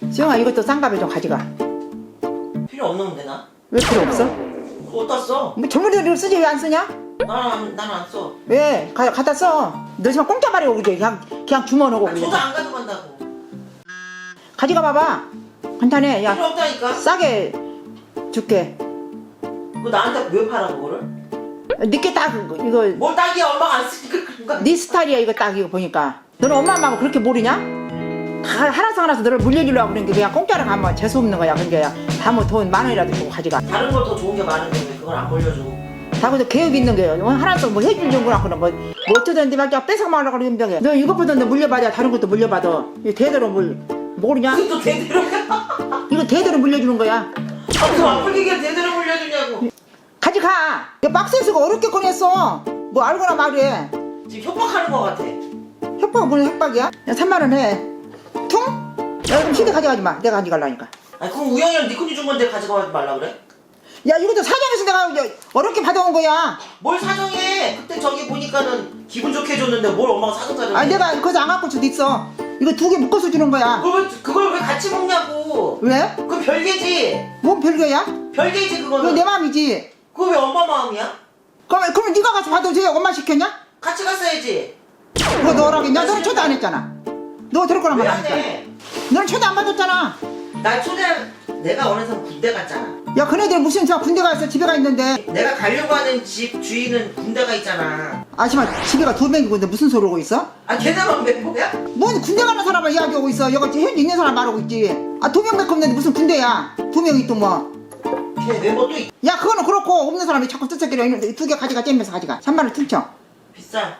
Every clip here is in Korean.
수영아 이것도 쌍갑에 좀 가져가. 필요 없는데 나? 왜 필요 없어? 그거 어디다 써? 뭐 젊은이들 쓰지 왜 안 쓰냐? 나는 안 써. 왜? 갖다 써. 너 지금 공짜 말이고 그래. 그냥 주워놓고 그래. 저도 안 가져간다고. 가져가 봐봐. 간단해. 필요 야 없다니까. 싸게 줄게. 그거 나한테 왜 팔아 그거를? 니께 딱 이거 뭘 딱이야 엄마가 안 쓰니까 그런가? 네 스타일이야 이거 딱 이거 보니까. 너는 엄마 엄마가 그렇게 모르냐? 다 하나서 너를 물려주려고 그런 게 그냥 공짜로 가면 재수없는 거야. 그러니까 다뭐 돈 10,000원이라도 주고 가져가. 다른 걸 더 좋은 게 많은데 왜 그걸 안 물려줘? 다 그래도 계획 있는 거예요. 하나도 뭐 해주려구나 그런 뭐 어쩌든지 막 뺏어 먹으려고 그러는 병이야. 너 이것보다 너 물려받아. 다른 것도 물려받아. 이거 대대로 모르냐? 그것도 제대로야? 이거 대대로 물려주는 거야. 그 아프리게 제대로 물려주냐고. 가져가. 이거 박스에서 어렵게 꺼냈어. 뭐 알거나 말해. 지금 협박하는 거 같아. 협박은 무슨 협박이야? 야 3만원 해. 퉁? 야 그럼 시대 가져가지 마. 내가 가져가려니까. 아니 그럼 우영이랑 니콘이 준 건데 가져가지 말라 그래? 야 이것도 사정해서 내가 이제 어렵게 받아온 거야. 뭘 사정해? 그때 저기 보니까는 기분 좋게 해줬는데 뭘 엄마가 사정해? 아니 내가 거기서 안 갖고 올 수도 있어. 이거 2개 묶어서 주는 거야. 그걸 왜 같이 먹냐고? 왜? 그건 별개지. 뭔 별거야? 별개지 그거 그거는. 내 마음이지. 그거 왜 엄마 마음이야? 그러면 네가 가서 받아줘. 엄마 시켰냐? 같이 갔어야지. 그거 너라겠냐? 너는 초대 안 했잖아. 너 들을 거란 말 왜 안 안 했잖아. 해? 너는 초대 안 받았잖아. 나 초대 내가 어느새 군대 갔잖아. 야 그네들 무슨 저 군대 가서 집에 가 있는데. 내가 가려고 하는 집 주인은 군대가 있잖아. 아줌마 집에가 2명이고 있는데 무슨 소리 하고 있어? 아 걔네만 몇 명이야? 뭔 군대 가는 사람을 이야기하고 있어. 여기 현재 있는 사람 말하고 있지. 아 2명밖에 없는데 무슨 군대야. 2명이 또 뭐. 걔 멤버 또 야 그거는 그렇고 없는 사람이 자꾸 뜨뜻거려 있는데 2개 가져가 잼면서 가져가. 3만원 퉁쳐. 비싸.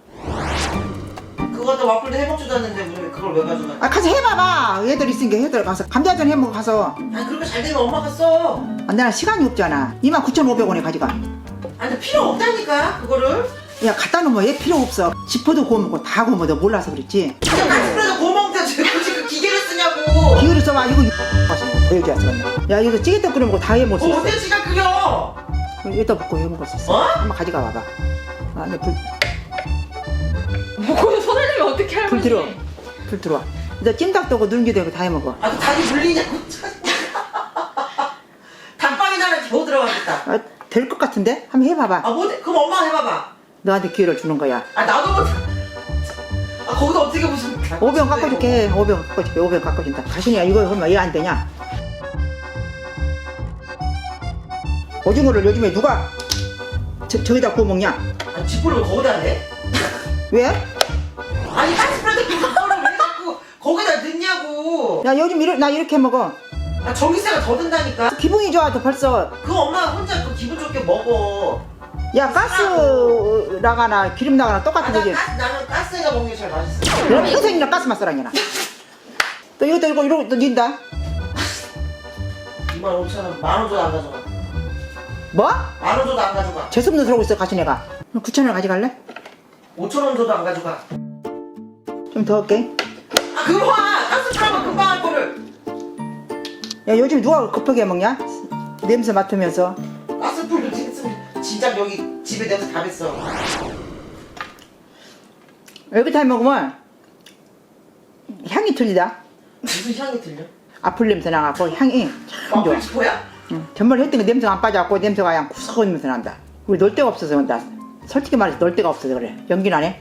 그거도 와플도 해먹지도 않는데 왜 그걸 왜 가져가? 아 가서 해봐봐. 애들 있으니까 애들 가서 감자전 해먹어 가서. 아니 그렇게 잘 되면 엄마가 써. 아, 나는 시간이 없잖아. 29,500원에 가져가. 아니 근데 필요 없다니까 그거를. 야 갖다 놓으면 얘 필요 없어. 지퍼도 구워 먹고 다 구워 먹어. 몰라서 그랬지. 그냥 가스프레도 구워 먹는데 왜 굳이 그 기계를 쓰냐고. 기회를 써봐. 이거 보여줘야 쓰겠네. 야 이거 찌개떡 끓여 먹고 다 해먹을 수 있어. 어때 지가 끓여? 여기다 붓고 해먹을 수 있어. 어? 한번 가져가 봐봐. 아, 네, 거기 손을 내면 어떻게 할머니? 불 들어. 불 들어와. 이제 찜닭도 하고 누룽지도 하고 다 해먹어. 아, 그 닭이 물리냐고. 닭방에 나는 겨우 들어가겠다. 아, 될 것 같은데? 한번 해봐봐. 아, 뭐, 그럼 엄마가 해봐봐. 너한테 기회를 주는 거야. 아, 나도 못. 아, 거기다 어떻게 무슨. 5병 깎아줄게. 5병 깎아줄게. 5병 깎아준다. 가시냐 이거 하면 왜 안 되냐? 오징어를 요즘에 누가 저기다 구워 먹냐? 아, 지푸를 거기다 해? 왜? 아니, 가스프레드 그거를 왜 자꾸 거기다 넣냐고. 야 요즘 나 이렇게 먹어. 아, 전기세가 더 든다니까. 기분이 좋아. 또 벌써. 그거 엄마 혼자 그 기분 좋게 먹어. 야 가스 나가나 기름 나가나 아, 똑같은 거지. 나는 가스가 먹는 게 제일 맛있어. 그럼 평생이나 가스만 써라니나. 또 이것도 이러고 또 닌다. 25,000원, 10,000원 줘도 안 가져가. 뭐? 10,000원 줘도 안 가져가. 재수없는 소리 하고 있어 가시네가. 9,000원 가져갈래? 5,000원 줘도 안 가져가. 좀 더 할게. 아, 그거 봐! 가스프레드 금방 할 거를. 야 요즘 누가 급하게 먹냐? 냄새 맡으면서. 가스불도 진짜 여기 집에 냄새 다 뱄어. 여기 다 먹으면 향이 틀리다. 무슨 향이 들려? 아플 냄새 나갖고 향이 참 좋아. 와플 지포야? 응. 전말 했더니 냄새가 안 빠져갖고 냄새가 그냥 구석한 냄새 난다. 우리 놀 데가 없어서 나 솔직히 말해서 놀 데가 없어서 그래. 연기 나네.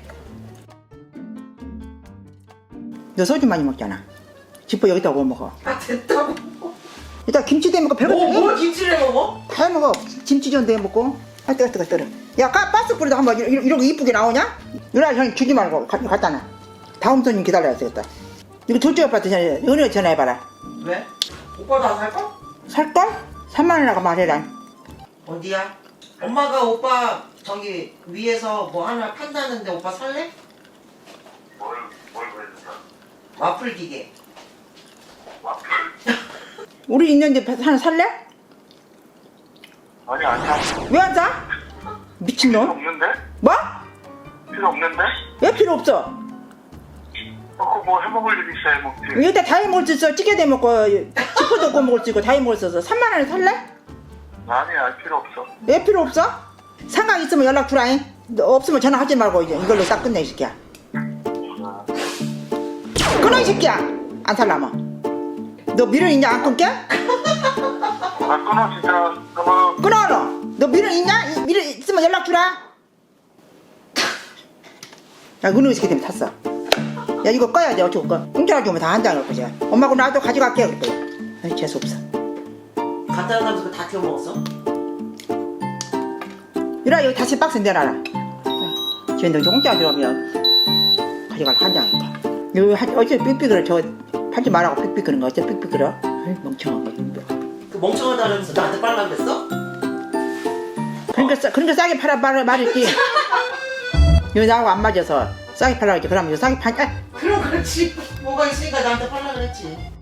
너 소주 많이 먹잖아. 지퍼 여기다 구워 먹어. 아, 됐다고. 일단 김치도 해먹고 별거 다 뭘 김치를 해 먹어? 다 해먹어. 김치전도 해먹고. 아 뜨거. 야 가스 뿌리도 한번 이러고 이쁘게 나오냐? 누나 형 주지 말고 갖다 놔. 다음 손님 기다려야 되겠다. 이거 둘째 오빠한테 은혜 전화해봐라. 왜? 오빠도 안 살까? 살걸? 3만원이라고 말해라. 어디야? 엄마가 오빠 저기 위에서 뭐 하나 판다는데 오빠 살래? 뭘 그랬어? 와플 기계. 와플? 우리 있는데 하나 살래? 아니 아니야. 왜 안 사? 필요 미친놈? 없는데? 뭐? 필요 없는데? 왜 필요 없어? 그거 뭐 해먹을 일 있어야 해먹지. 여기다 다 해먹을 수 있어. 찌개도 해먹고 치포도 구워 먹을 수 있고 다 해먹을 수 있어. 3만원에 살래? 아니야 필요 없어. 왜 필요 없어? 상관 있으면 연락 주라잉. 너 없으면 전화하지 말고 이제 이걸로 딱 끝내 이 새끼야. 끊어 이 새끼야. 안 살라면. 너 미련 있냐? 안 끊게? 아, 끊어, 진짜. 끊어. 끊어 너 미련 있냐? 미련 있으면 연락 주라. 야 은우 새끼 때문에 탔어. 야 이거 꺼야 돼. 어쩌고 꺼. 공짜로 주면 다 한 장을 거지. 엄마하고 나도 가져갈게 그랬더니 아이 재수없어. 갖다 놔서 다 태워 먹었어? 이라 여기 다시 박스 내놔라. 쟤는 공짜로 들어오면 가져갈 한 장이니까. 여기 어째 삑삑거려. 저 팔지 말라고 삑삑거리는 거 어째 삑삑거려. 아이 멍청한 거. 그 멍청하다면서 나한테 빨라 그랬어? 그러니까 싸게 팔아 말했지. 여기 나하고 안 맞아서 싸게 팔라고 했지. 그럼 이거 싸게 팔. 그럼 그렇지. 뭐가 있으니까 나한테 빨라 그랬지.